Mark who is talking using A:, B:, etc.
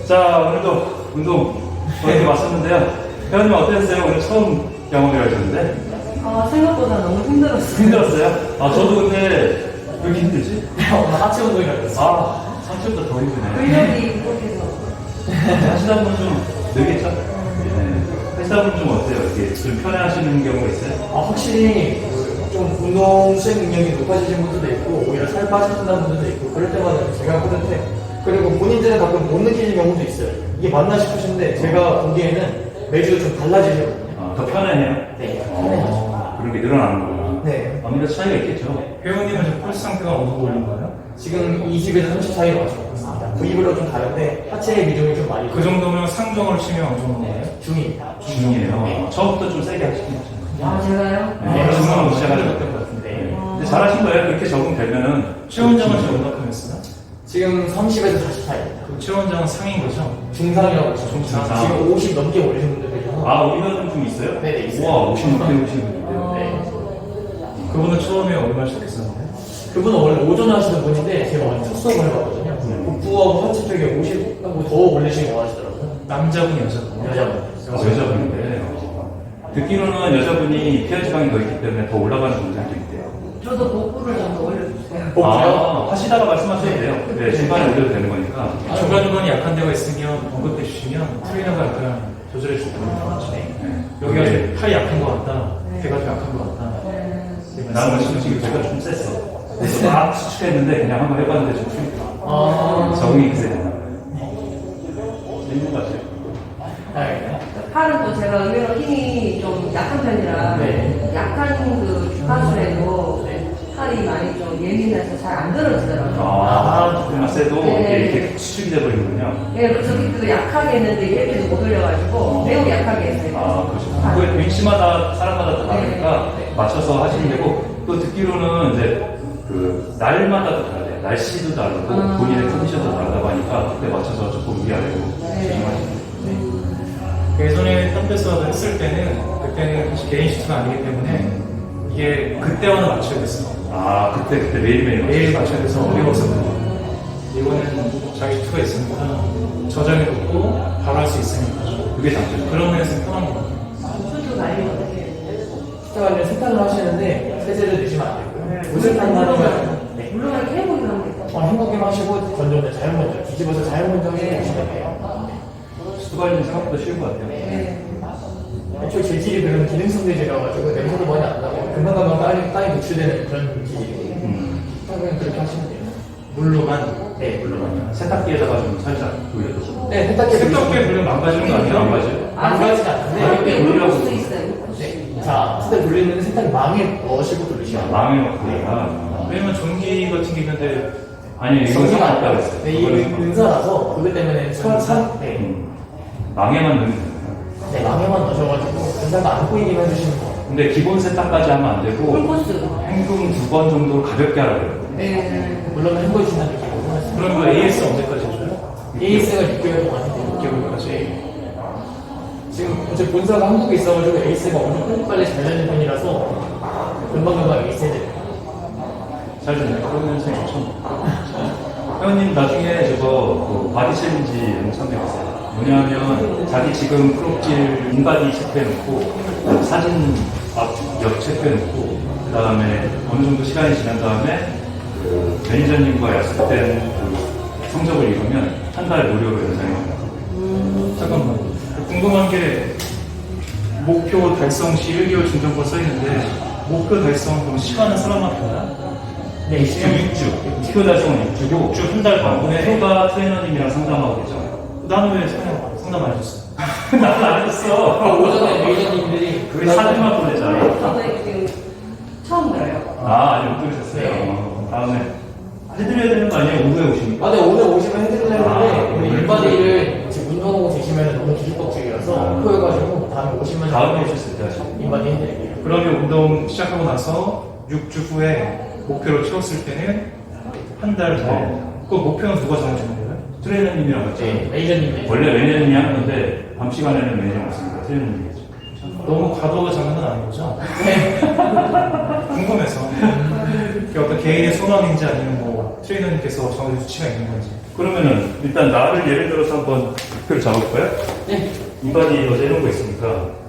A: 자, 오늘도 운동 저희도 왔었는데요. 회원님 어땠어요? 오늘 처음 경험을 하셨는데?
B: 생각보다 너무 힘들었어요.
A: 힘들었어요? 저도 근데 왜 이렇게 힘들지?
C: 하체 운동이라고 했어요.
A: 상체보다 더 힘드네.
B: 근력이 부족해서.
A: 하시다 보면 좀 늘겠죠? 네. 하시다 보면 좀 어때요? 이렇게 좀 편해하시는 경우가 있어요?
C: 확실히 좀 운동 수행 능력이 높아지신 분들도 있고 오히려 살 빠지신다는 분들도 있고 그럴 때마다 제가 하는데 그리고 본인들은 가끔 못 느끼는 경우도 있어요. 이게 맞나 싶으신데 제가 보기에는 매주 좀 달라지거든요.
A: 더 편해요?
C: 네, 편해요.
A: 그런 게 늘어나는 거구나.
C: 네.
A: 아무래도 차이가 있겠죠?
D: 회원님은 지금 펄스 상태가 어느 정도 올린 거예요?
C: 지금 20에서 30 사이로 맞춰고 있습니다. 부위별로 좀 다른데 하체의 비중이 좀 많이
D: 그 정도면 상정을 치면 어느 정도
C: 네, 중입니다.
A: 중이에요. 처음부터 좀 세게 하시긴 하죠.
B: 제가요?
A: 네, 중간으로 시작하려고
C: 했던 것 같은데
A: 근데 잘하신 거예요. 그렇게 적응되면은.
D: 최원장은 지금 얼마큼 했어요?
C: 지금 30에서 40 사이입니다.
D: 그 최원장은 상인 거죠?
C: 중상이라고 했죠.
D: 중상.
C: 지금 50 넘게 올리신 분들도 있어서
A: 우리가 좀 있어요?
C: 네네, 있어요.
A: 우와, 50 넘게 오시는 분인데요.
C: 네.
D: 그분은 처음에 얼마 시작했었는데?
C: 그분은 원래 오전에 하시는 분인데 제가 완전 첫 수업을 해봤거든요. 복부하고 하체 쪽에 50하고 더 올리시기 원하시더라고요.
D: 남자분, 여자분?
C: 여자분.
A: 여자분인데. 듣기로는 여자분이 피하 지방이 더 있기 때문에 더 올라가는 동작이 있대요.
B: 저도 복부를 좀 더 올려주세요.
C: 복부요?
A: 하시다가 말씀하셔도 돼요. 네, 중간에 올려도 되는 거니까.
D: 중간중간에 약한 데가 있으면 언급해 주시면 트레이너가 약간 조절해 줄 거예요.
A: 네.
D: 여기가 좀 팔이 약한 것 같다. 배가 좀 약한 것 같다.
A: 나는 솔직히 배가 좀 셌어. 그래서 막 수축했는데 그냥 한번 해봤는데 좀 풀리더라고요. 적응이 그새 됐나 봐요. 재밌는 것 같아요.
C: 네.
B: 팔은 또 제가 의외로 힘이 좀 약한 편이라
C: 네.
B: 약한 그 주파수에도 팔이 많이 좀 예민해서 잘 안 들어지더라고요.
A: 조금만 세도
B: 네.
A: 이렇게 수축이 돼버리는군요.
B: 네, 그래서 그때도 약하게 했는데 이렇게도 못 올려가지고 매우 약하게 했어요.
A: 그렇죠. 그게 위치마다 사람마다 다 다르니까 맞춰서 하시면 되고 또 듣기로는 이제 그 날마다 또 다르대요. 날씨도 다르고 본인의 컨디션도 다르다고 하니까 그때 맞춰서 조금 위아래로 진행하시면 돼요.
D: 예전에 덤벨스와도 했을 때는 그때는 사실 개인 시트가 아니기 때문에 이게 그때와는 맞춰야 됐어요.
A: 그때 매일매일
D: 매일 맞춰야 돼서 어려웠었거든요. 이거는 자기 시트가 있으니까 저장해 놓고 바로 할 수 있으니까
A: 그게 장점이에요.
D: 그런 면에서 편한 것 같아요.
B: 수도 날리면 어떻게 해요?
C: 식사 관련 세탁을 하시는데 세제를 넣으시면 안 되고요. 무쇠탄 하면 네.
B: 물론 이렇게 해보기도 합니다.
C: 헹구기만 하시고 건조는 자연 건조 뒤집어서 자연 건조해 주시면 돼요.
A: 수관리는 생각보다 쉬운 것 같아요.
B: 네.
C: 애초에 재질이 그런 기능성 재질이라가지고 냄새도 많이 안 나고 금방금방 땅에 노출되는 그런 재질이에요. 그냥 그렇게 하시면 돼요.
D: 물로만.
C: 네, 물론.
A: 세탁기에다가 좀 살짝 돌려서.
C: 네, 세탁기
D: 세탁기에 물면 망가지는 거 아니에요?
A: 망가져요?
C: 망가지지 않는데
B: 가볍게
A: 물려고.
B: 올릴 수 있어요.
C: 네. 자, 세탁 돌리면 세탁 망에 넣으시고 돌리시면 돼요.
A: 망해 놓고
D: 왜냐면 전기 같은 게 있는데
A: 아니 이거
C: 전기가
A: 상관없다고
C: 안
A: 했어요.
C: 네, 이 은사라서 그것 때문에 네,
A: 망에만 넣으면 돼요.
C: 네, 망에만 넣으셔가지고 은사가 안 보이기만 해주시면 돼요.
A: 근데 기본 세탁까지 하면 안 되고
B: 풀코스.
A: 헹굼 2번 정도 가볍게 하라 그래요.
B: 네.
C: 물론 헹궈주신다는 느낌으로
D: 그럼 그 AS 언제까지 해줘요?
C: AS가 6개월 동안 해요.
D: 6개월까지.
C: 지금 제 본사가 한국에 있어가지고 AS가 엄청 빨리 잘 되는 편이라서 금방금방 AS 해드려요.
A: 잘 되네요. 그러면 참 좋죠. 회원님 나중에 저거 그 바디 챌린지 영상 참여했어요. 뭐냐면 자기 지금 프로필 인바디 체크해놓고 사진 앞옆 체크해놓고 그 다음에 어느 정도 시간이 지난 다음에 그 매니저님과 약속된 그 성적을 이루면 한 달 무료로 연장해 줍니다.
D: 잠깐만. 궁금한 게 목표 달성 시 1개월 중점권 써 있는데 목표 달성 그럼 시간은 사람마다
C: 네,
A: 6주. 목표 달성은 6주고
D: 6주 한 달 반분에
A: 프로가 트레이너님이랑 상담하고 계죠.
D: 나는 왜 상담 안 해줬어?
A: 나도 안 했어.
C: 오전에 매니저님들이
A: 그게 사진만 보냈잖아.
B: 저도 지금 처음 들어요.
A: 아직 못 들으셨어요.
C: 네.
A: 다음에 해드려야 되는 거 아니에요? 오후에 오십니까?
C: 네, 오늘 오시면 해드리려고 했는데
A: 오늘
C: 우리 인바디를 지금 운동하고 계시면 너무 뒤죽박죽이라서 표해가지고 다음에 오시면
A: 다음에 오셨을 때 하시고.
C: 인바디 해드릴게요.
D: 그러면 운동 시작하고 나서 6주 후에 목표를 채웠을 때는 한 달 더. 그 목표는 누가 정해주는 거예요?
A: 트레이너님이랑 같이.
C: 네, 매니저님.
A: 원래 매니저님이 하는 건데 밤 시간에는 매니저 없습니다. 트레이너님이겠죠.
D: 너무 과도가 장난은 아닌 거죠?
C: 네.
D: 궁금해서. 그게 어떤 개인의 소망인지 아니면 뭐 트레이너님께서 정해준 수치가 있는 건지.
A: 그러면은 일단 나를 예를 들어서 한번 목표를 잡아볼까요?
E: 네.
A: 인바디 어제 해놓은 거 있으니까